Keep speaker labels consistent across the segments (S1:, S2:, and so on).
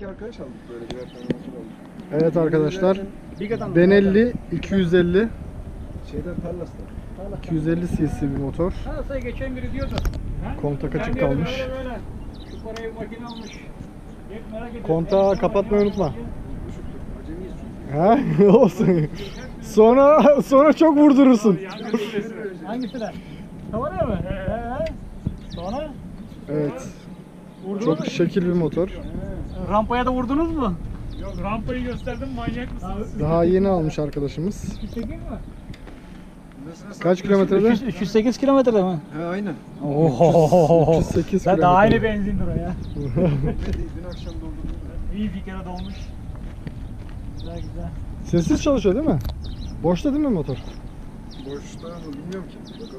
S1: iki arkadaş aldık böyle birer tane motor aldık.
S2: Evet arkadaşlar. Benelli 250.
S1: Şeyden Tarlas'tan.
S2: 250 cc bir motor.
S3: Nasıl geçen biri diyordu.
S2: Kontak açık kalmış.
S3: Böyle. Şu parayı makine almış. Hep merak ediyorum.
S2: Kontağı kapatmayı unutma.
S1: Acemiyiz
S2: Ha?
S1: çünkü.
S2: Olsun. Sonra çok vurdurursun.
S3: Hangisi de? Tavana mı? Sonra?
S2: Evet.
S3: Vurdunuz
S2: Çok
S3: mu?
S2: şekil bir motor.
S3: Rampaya da vurdunuz mu? Yok, rampayı gösterdim, manyak mısınız?
S2: Daha yeni almış arkadaşımız.
S3: 208 mi?
S2: Kaç kilometrede?
S3: 308 kilometrede mi?
S1: He aynen.
S3: Oho.
S2: 308
S3: Ben daha
S2: kilometre.
S3: aynı benzindir o ya.
S1: Dün akşam doldurdum.
S3: İyi bir kere dolmuş. Güzel güzel.
S2: Sessiz çalışıyor değil mi? Boşta değil mi motor?
S1: Boşta mı bilmiyorum ki. Bakalım.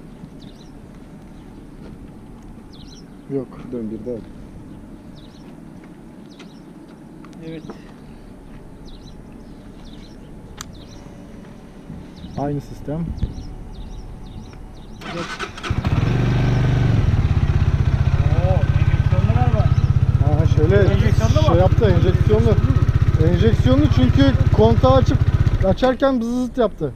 S2: Yok.
S1: Dön bir daha.
S3: Evet.
S2: Aynı sistem.
S3: Oo, enjeksiyonlu galiba.
S2: Ha şöyle
S3: Enjeksiyonlu mu?
S2: şey yaptı, enjeksiyonlu. Enjeksiyonlu çünkü kontağı açarken bızızıt yaptı.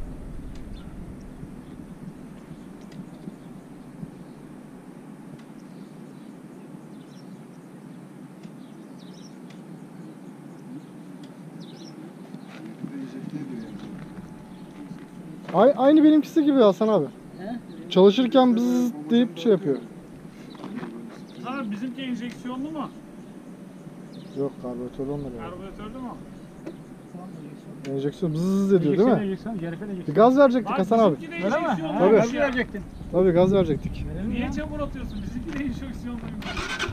S2: Aynı benimkisi gibi Hasan abi.
S3: He?
S2: Çalışırken bızızıt deyip şey yapıyor.
S3: Sana bizimki enjeksiyonlu mu?
S2: Yok karbüratör olmadı.
S3: Karbüratörlü mü?
S2: Enjeksiyon bızız ediyor değil mi?
S3: Enjeksiyon, Cerife
S2: Bir
S3: enjeksiyon.
S2: gaz verecektik Hasan abi.
S3: Bizimki de enjeksiyonlu.
S2: Tabii.
S3: Gaz verecektin.
S2: Tabii gaz verecektik.
S3: Niye çamur atıyorsun? Bizimki de enjeksiyonluymuş.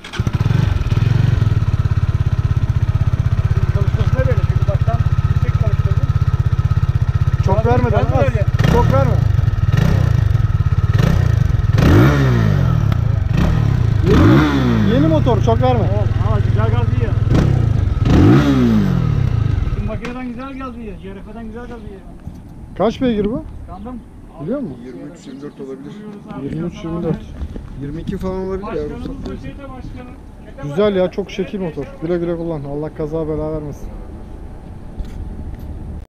S3: Çalışmasına böyle çünkü baştan yüksek çalıştırdın.
S2: Çok vermeden
S3: Gaz
S2: az.
S3: ver ya.
S2: Çok verme. Yeni motor çok verme.
S3: Ama güzel gaz yiyor. Şimdi makineden güzel gaz yiyor. CRF'den güzel gaz yiyor.
S2: Kaç beygir bu?
S3: Kandım.
S2: Biliyor musun?
S1: 23-24 olabilir.
S2: 23-24.
S1: 22 falan olabilir ya.
S3: Başkanımız da şeyde başkanım.
S2: Güzel ya, çok şekil motor. Güle güle kullan. Allah kaza bela vermesin.